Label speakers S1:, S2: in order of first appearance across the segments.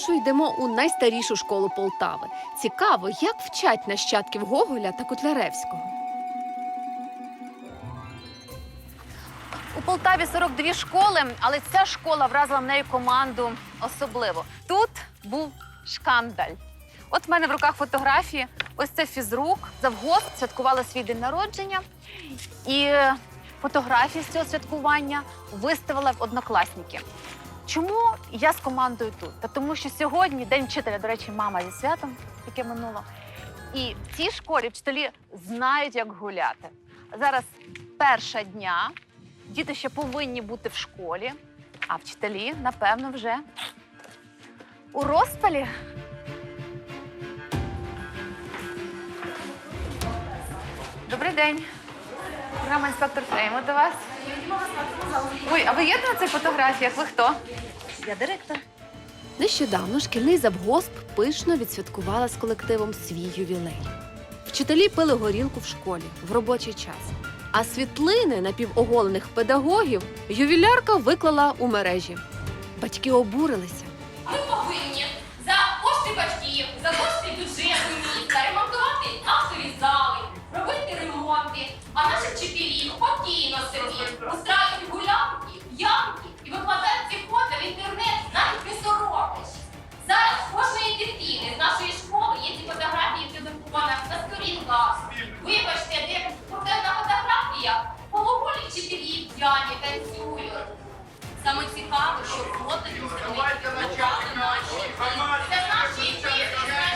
S1: Спершу йдемо у найстарішу школу Полтави. Цікаво, як вчать нащадків Гоголя та Котляревського.
S2: У Полтаві 42 школи, але ця школа вразила в неї команду особливо. Тут був шкандаль. От в мене в руках фотографії. Ось це фізрук. Завгосп святкувала свій день народження. І фотографії з цього святкування виставила в Однокласники. Чому я з командою тут? Та тому що сьогодні День вчителя, до речі, мама зі святом, яке минуло. І в цій школі вчителі знають, як гуляти. Зараз перша дня, діти ще повинні бути в школі, а вчителі, напевно, вже у розпалі. Добрий день. Програма «Інспектор Фрейму» до вас. Ой, а ви є на цих фотографіях? Ви хто?
S3: Я директор.
S1: Нещодавно шкільний завгосп пишно відсвяткувала з колективом свій ювілей. Вчителі пили горілку в школі в робочий час. А світлини напівоголених педагогів ювілярка виклала у мережі. Батьки обурилися.
S4: Ми повинні за кошти батьків, за кошти бюджету міста ремонтувати актові зали, робити ремонти, а наші вчителі спокійно собі устраюють гулянки, ямки і викладають ці фото в інтернет, навіть не соромлячись. Зараз в кожної дитини з нашої школи є ці фотографії придрукована на сторінках. Вибачте, де на фотографіях полуголі вчителі п'яні танцюють. Саме цікаво, що фото
S5: Давайте начати
S4: наші. Це наші діти,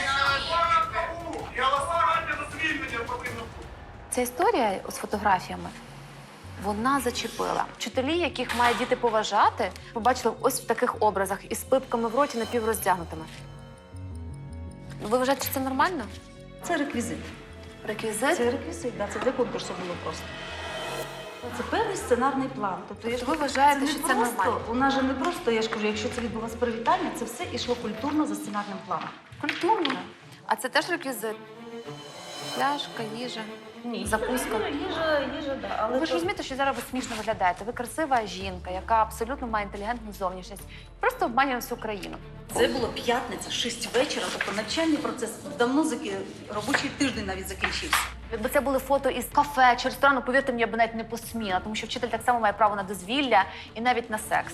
S5: Я вас гарантія за звільнення повинна.
S2: Ця історія з фотографіями, вона зачепила. Вчителі, яких має діти поважати, побачили ось в таких образах із пипками в роті напівроздягнутими. Ви вважаєте, що це нормально?
S3: Це реквізит.
S2: Реквізит?
S3: Це реквізит, да, це для конкурсу було просто. Це певний сценарний план. Тобто,
S2: Ви вважаєте, що це
S3: просто,
S2: нормально?
S3: У нас же не просто, я ж кажу, якщо це відбулося привітання, це все йшло культурно за сценарним планом.
S2: Культурно. А це теж реквізит? Пляшка, їжа, закуска.
S3: Їжа, да. Але
S2: Ви ж розумієте, що зараз ви смішно виглядаєте. Ви красива жінка, яка абсолютно має інтелігентну зовнішність. Просто обманює всю країну.
S3: це було п'ятниця, 6 вечора, тобто навчальний процес давно робочий тиждень навіть закінчився.
S2: Якби це були фото із кафе чи ресторану, повірте мені, я б навіть не посміла, тому що вчитель так само має право на дозвілля і навіть на секс.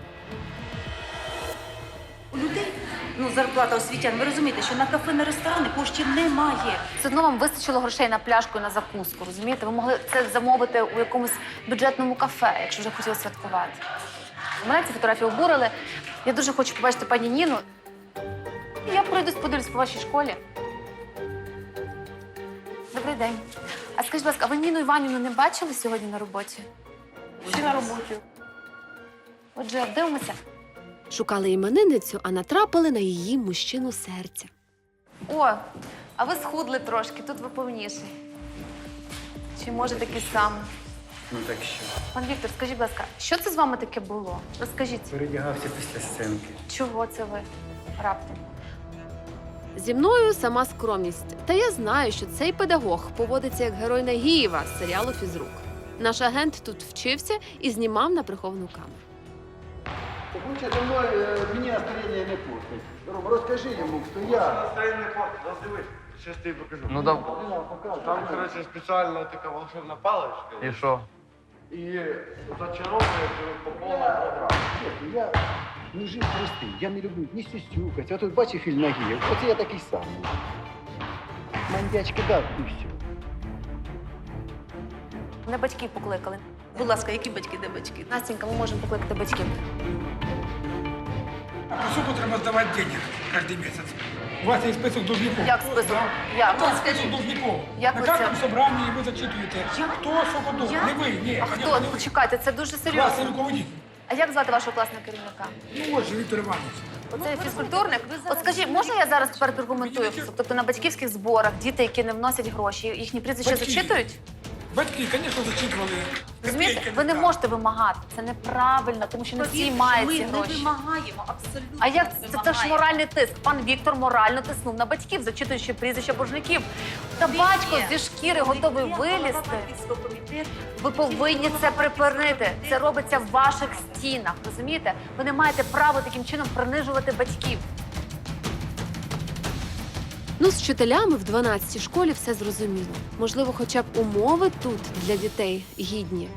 S3: У людей, зарплата освітян, ви розумієте, що на кафе, на ресторани коштів немає.
S2: Все одно вам вистачило грошей на пляшку і на закуску, розумієте? Ви могли це замовити у якомусь бюджетному кафе, якщо вже хотіли святкувати. Мене ці фотографії обурили. Я дуже хочу побачити пані Ніну. Я пройдусь, подивлюсь по вашій школі. Добрий день. А скажіть, будь ласка, а ви Ніну Іванівну не бачили сьогодні на роботі? Чи на роботі? Отже, дивимося.
S1: Шукали іменинницю, а натрапили на її мужчину серця.
S2: О, а ви схудли трошки, тут ви повніший. Чи може такий самий?
S6: Ну так що?
S2: Пан Віктор, скажіть, будь ласка, що це з вами таке було? Розкажіть,
S6: Передягався після сценки.
S2: чого це ви раптом?
S1: Зі мною сама скромність. Та я знаю, що цей педагог поводиться як герой Нагієва з серіалу «Фізрук». Наш агент тут вчився і знімав на приховану камеру.
S7: Так лучше со мной мне настроение не портить. Рома, расскажи ему, кто я.
S5: Настроєння портить, роздивись. Щас тобі покажу.
S6: Ну да.
S5: Там, коротше, спеціальна така волшебна паличка.
S6: І що?
S5: І зачаровує по повній програмі.
S7: Честно, я мужик простий, я не люблю ні сюсюкать. А тут бачив фільм Нагієв, оце я такий самий. Мандячки дав і все.
S2: Мене батьки покликали.
S3: Будь ласка, які батьки, де батьки?
S2: Настенька, ми можемо покликати батьків.
S8: Сколько треба сдавать денег каждый месяц? У вас есть список должников.
S2: Як список?
S8: У
S2: Як?
S8: вас список должников.
S2: Як
S8: На
S2: ви
S8: каждом
S2: це?
S8: собрании вы зачитываете, кто сколько должен. Не вы, не.
S2: А хто? Почекайте, це дуже
S8: Классный
S2: серйозно.
S8: руководитель.
S2: А як звати вашого класного керівника?
S8: Ну вот же Виктор Иванович.
S2: Оце фізкультурник? От скажіть, можна я зараз тепер прокоментую? Тобто на батьківських зборах діти, які не вносять гроші, їхні прізвища
S8: Батьки.
S2: зачитують?
S8: Батьки, конечно, зачитывали.
S2: Розумієте?
S8: Копейки
S2: Ви не
S8: брали.
S2: можете вимагати. Це неправильно, тому що не всі
S3: Повірте,
S2: мають
S3: ми
S2: ці
S3: не
S2: гроші.
S3: вимагаємо, абсолютно
S2: А як
S3: не
S2: це ж
S3: вимагаємо.
S2: моральний тиск? Пан Віктор морально тиснув на батьків, зачитуючи прізвища боржників. Та батько зі шкіри готовий вилізти. Ви повинні це припинити. Це робиться в ваших стінах, розумієте? Ви не маєте права таким чином принижувати батьків.
S1: Ну, з вчителями в 12-й школі все зрозуміло. Можливо, хоча б умови тут для дітей гідні.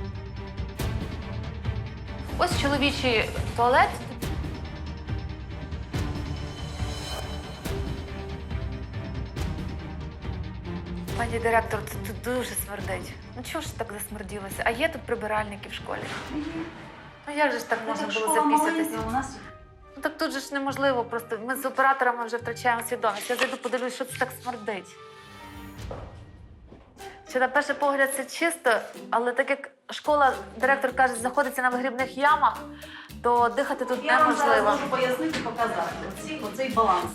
S2: Ось чоловічий туалет. Пані директор, тут дуже смердить. Ну чого ж так засмерділося? А є тут прибиральники в школі? Ну як же ж так можна було запісятися?
S3: У нас
S2: Ну так тут же ж неможливо, просто ми з операторами вже втрачаємо свідомість. Я зайду подивлюсь, що це так смердить. Що на перший погляд це чисто, але так як школа, директор каже, знаходиться на вигрібних ямах, то дихати тут
S3: я вам зараз
S2: неможливо.
S3: можу пояснити, показати. Оцей баланс.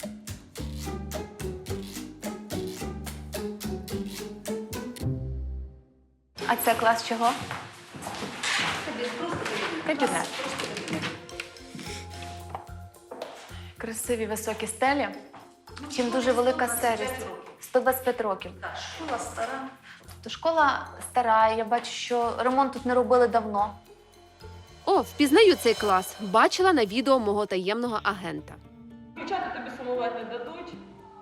S2: А це клас чого? Кабінет. Красиві високі стелі. Чим дуже велика серість. 125 років.
S3: Так, школа стара.
S2: То школа стара, я бачу, що ремонт тут не робили давно.
S1: О, впізнаю цей клас. Бачила на відео мого таємного агента.
S9: Дівчата тобі сумувати не дадуть.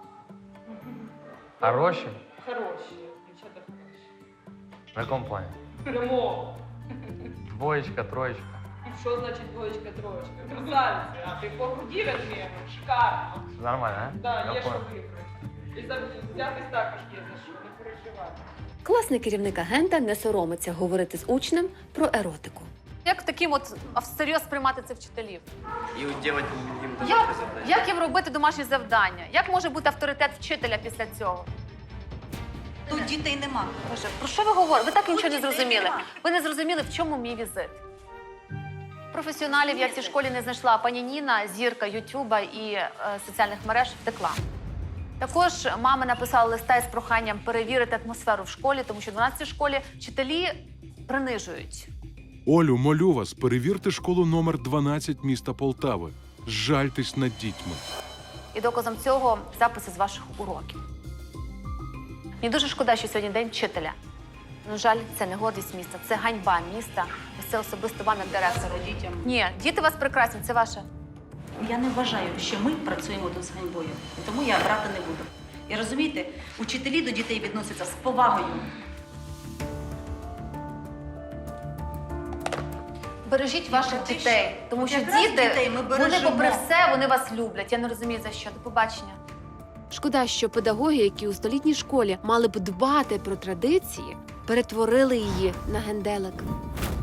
S5: Хороші?
S9: Хороші. Дівчата хороші.
S5: На якому плані?
S9: Прямо.
S5: Двоєчка, троєчка.
S9: Що значить двоєчка, троєчка? Красавиці, а ти по груді розміром. Шикарно.
S5: Нормально, а?
S9: Да,
S5: Я
S9: є що
S5: понял.
S9: вибрати. І взятись також є за що, не переживати.
S1: Класний керівник агента не соромиться говорити з учнем про еротику.
S2: Як таким от всерйоз приймати це вчителів?
S6: І от делать їм
S2: Як,
S6: домашнє завдання.
S2: як їм робити домашні завдання? Як може бути авторитет вчителя після цього?
S3: Тут дітей нема.
S2: Боже, про що ви говорите? Ви так нічого не
S3: дітей
S2: зрозуміли.
S3: нема.
S2: Ви не зрозуміли, в чому мій візит. Професіоналів я в цій школі не знайшла. А пані Ніна, зірка Ютуба і соціальних мереж, втекла. Також мами написали листа із проханням перевірити атмосферу в школі, тому що в 12-й школі вчителі принижують.
S10: Олю, молю вас, перевірте школу номер 12 міста Полтави. Жальтесь над дітьми.
S2: І доказом цього записи з ваших уроків. Мені дуже шкода, що сьогодні день вчителя. На жаль, це не гордість міста, це ганьба міста. Ось це особисто вам як директору.
S3: Дітям.
S2: Ні, діти у вас прекрасні, це ваше.
S3: Я не вважаю, що ми працюємо тут з ганьбою. Тому я брати не буду. І розумієте, учителі до дітей відносяться з повагою.
S2: Бережіть ваших дітей, тому що
S3: Якраз
S2: діти,
S3: дітей ми
S2: вони
S3: бережемо.
S2: попри все, вони вас люблять. Я не розумію за що. До побачення.
S1: Шкода, що педагоги, які у столітній школі мали б дбати про традиції, перетворили її на генделик.